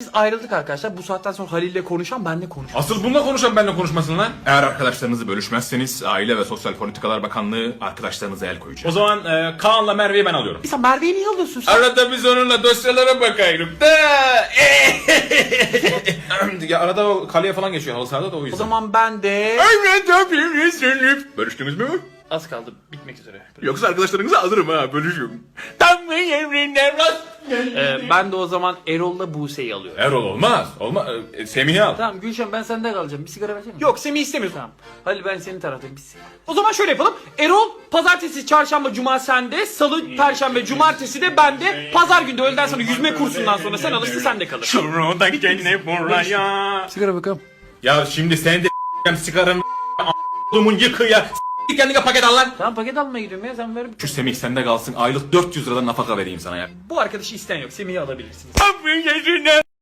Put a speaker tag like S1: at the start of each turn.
S1: ayrıldık arkadaşlar. Bu saatten sonra Halil'le konuşan benle konuşan.
S2: Asıl bununla konuşan benimle konuşmasın lan. Eğer arkadaşlarınızı bölüşmezseniz Aile ve Sosyal Politikalar Bakanlığı arkadaşlarınıza el koyacak. O zaman Kaan'la Merve'yi ben alıyorum.
S1: Sen Merve'yi niye alıyorsun sen?
S2: Arada biz onunla dosyalara bakayım da. Ya arada o kaleye falan geçiyor halı sahada da o yüzden.
S1: O zaman ben de...
S2: Bölüştünüz mü?
S1: Az kaldı bitmek üzere.
S2: Yoksa arkadaşlarınızı alırım ha bölüşüyorum.
S1: Ben de o zaman Erol'la Buse'yi alıyorum.
S2: Erol olmaz. Semih'i al.
S1: Tamam Gülşen ben sende kalacağım. Bir sigara versene. Yok Semih istemiyorum. Tamam. Halil ben senin taraftayım. Bir sigara. O zaman şöyle yapalım. Erol pazartesi, çarşamba, cuma sende. Salı, perşembe, cumartesi de bende. Pazar günde öğleden sonra yüzme kursundan sonra sen alırsın sen de kalır.
S2: Şuradan gene buraya.
S1: Sigara bakalım.
S2: Ya şimdi sen de sigaranın a***lumun yıkı ya. Kendine paket al lan.
S1: Tamam paket almaya gidiyorum ya sen ver.
S2: Şu Semih sende kalsın. Aylık 400 liradan nafaka vereyim sana ya.
S1: Bu arkadaşı isteyen yok. Semih'i alabilirsiniz.